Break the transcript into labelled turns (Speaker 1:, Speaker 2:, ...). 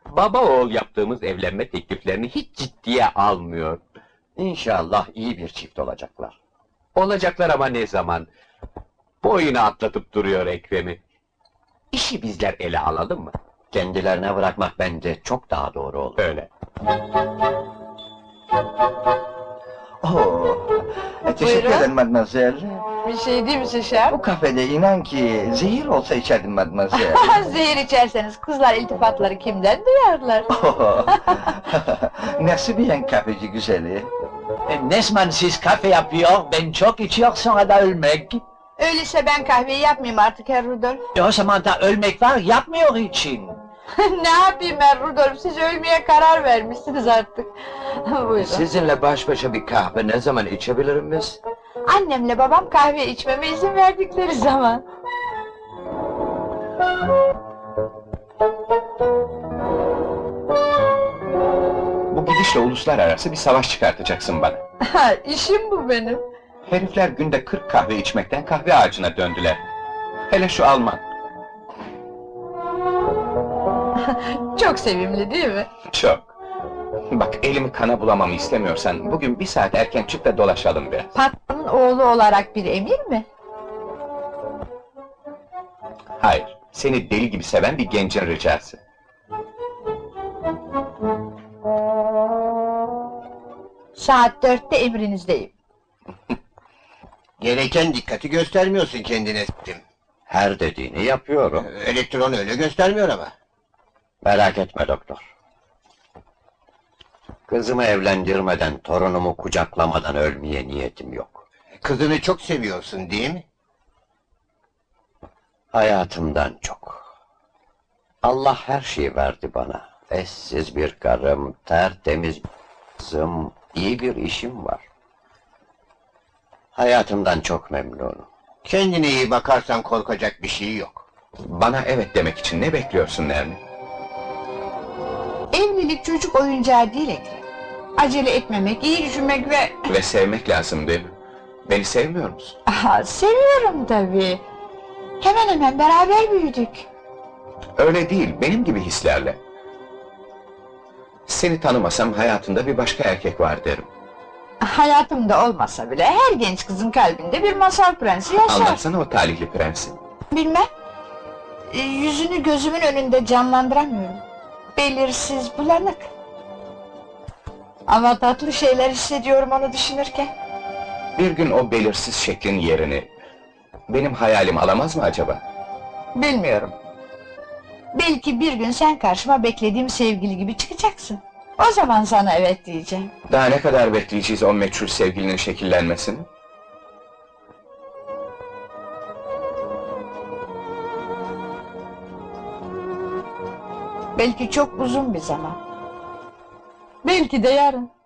Speaker 1: Baba oğul yaptığımız evlenme tekliflerini hiç ciddiye almıyor.
Speaker 2: İnşallah iyi bir çift olacaklar.
Speaker 1: Olacaklar ama ne zaman? Boyunu atlatıp duruyor Ekrem'i. İşi bizler ele alalım mı?
Speaker 2: Kendilerine bırakmak bence çok daha doğru olur.
Speaker 1: Öyle.
Speaker 3: Oo, teşekkür
Speaker 4: Buyurun.
Speaker 3: ederim mademoiselle.
Speaker 4: Bir şey değil misin şef?
Speaker 3: Bu kafede inan ki zehir olsa içerdim mademoiselle.
Speaker 4: Zehir içerseniz kızlar iltifatları kimden duyarlar?
Speaker 3: Oo, Nasıl bir kafeci güzeli?
Speaker 5: Ne zaman siz kafe yapıyor, ben çok içiyor sonra da ölmek.
Speaker 4: Öyleyse ben kahveyi yapmayayım artık Herr Rudolf.
Speaker 5: O zaman da ölmek var, yapmıyor için.
Speaker 4: Ne yapayım Herr Rudolf, siz ölmeye karar vermişsiniz artık. Buyurun.
Speaker 2: Sizinle baş başa bir kahve ne zaman içebilirim biz?
Speaker 4: Annemle babam kahve içmeme izin verdikleri zaman.
Speaker 6: Bu gidişle uluslararası bir savaş çıkartacaksın bana.
Speaker 4: Ha, işim bu benim.
Speaker 6: Herifler günde 40 kahve içmekten kahve ağacına döndüler. Hele şu Alman.
Speaker 4: Çok sevimli değil mi?
Speaker 6: Çok. Bak elimi kana bulamamı istemiyorsan bugün bir saat erken çık da dolaşalım biraz.
Speaker 4: Patronun oğlu olarak bir emir mi?
Speaker 6: Hayır, seni deli gibi seven bir gencin ricası.
Speaker 4: Saat 4'te emrinizdeyim.
Speaker 7: Gereken dikkati göstermiyorsun kendine s**tim.
Speaker 2: Her dediğini yapıyorum.
Speaker 7: Elektron öyle göstermiyor ama.
Speaker 2: Merak etme doktor. Kızımı evlendirmeden, torunumu kucaklamadan ölmeye niyetim yok.
Speaker 7: Kızını çok seviyorsun değil mi?
Speaker 2: Hayatımdan çok. Allah her şeyi verdi bana. Eşsiz bir karım, tertemiz bir kızım, iyi bir işim var. Hayatımdan çok memnunum.
Speaker 7: Kendine iyi bakarsan korkacak bir şey yok.
Speaker 6: Bana evet demek için ne bekliyorsun Nermin?
Speaker 4: Evlilik çocuk oyuncağı değil Ekrem. Acele etmemek, iyi düşünmek ve...
Speaker 6: Ve sevmek lazım değil mi? Beni sevmiyor musun?
Speaker 4: Aha, seviyorum tabii. Hemen hemen beraber büyüdük.
Speaker 6: Öyle değil, benim gibi hislerle. Seni tanımasam hayatında bir başka erkek var derim.
Speaker 4: Hayatımda olmasa bile her genç kızın kalbinde bir masal prensi yaşar.
Speaker 6: Anlatsana o talihli prensi.
Speaker 4: Bilmem. Yüzünü gözümün önünde canlandıramıyorum. Belirsiz, bulanık. Ama tatlı şeyler hissediyorum onu düşünürken.
Speaker 6: Bir gün o belirsiz şeklin yerini benim hayalim alamaz mı acaba?
Speaker 4: Bilmiyorum. Belki bir gün sen karşıma beklediğim sevgili gibi çıkacaksın. O zaman sana evet diyeceğim.
Speaker 6: Daha ne kadar bekleyeceğiz o meçhul sevgilinin şekillenmesini?
Speaker 4: Belki çok uzun bir zaman. Belki de yarın.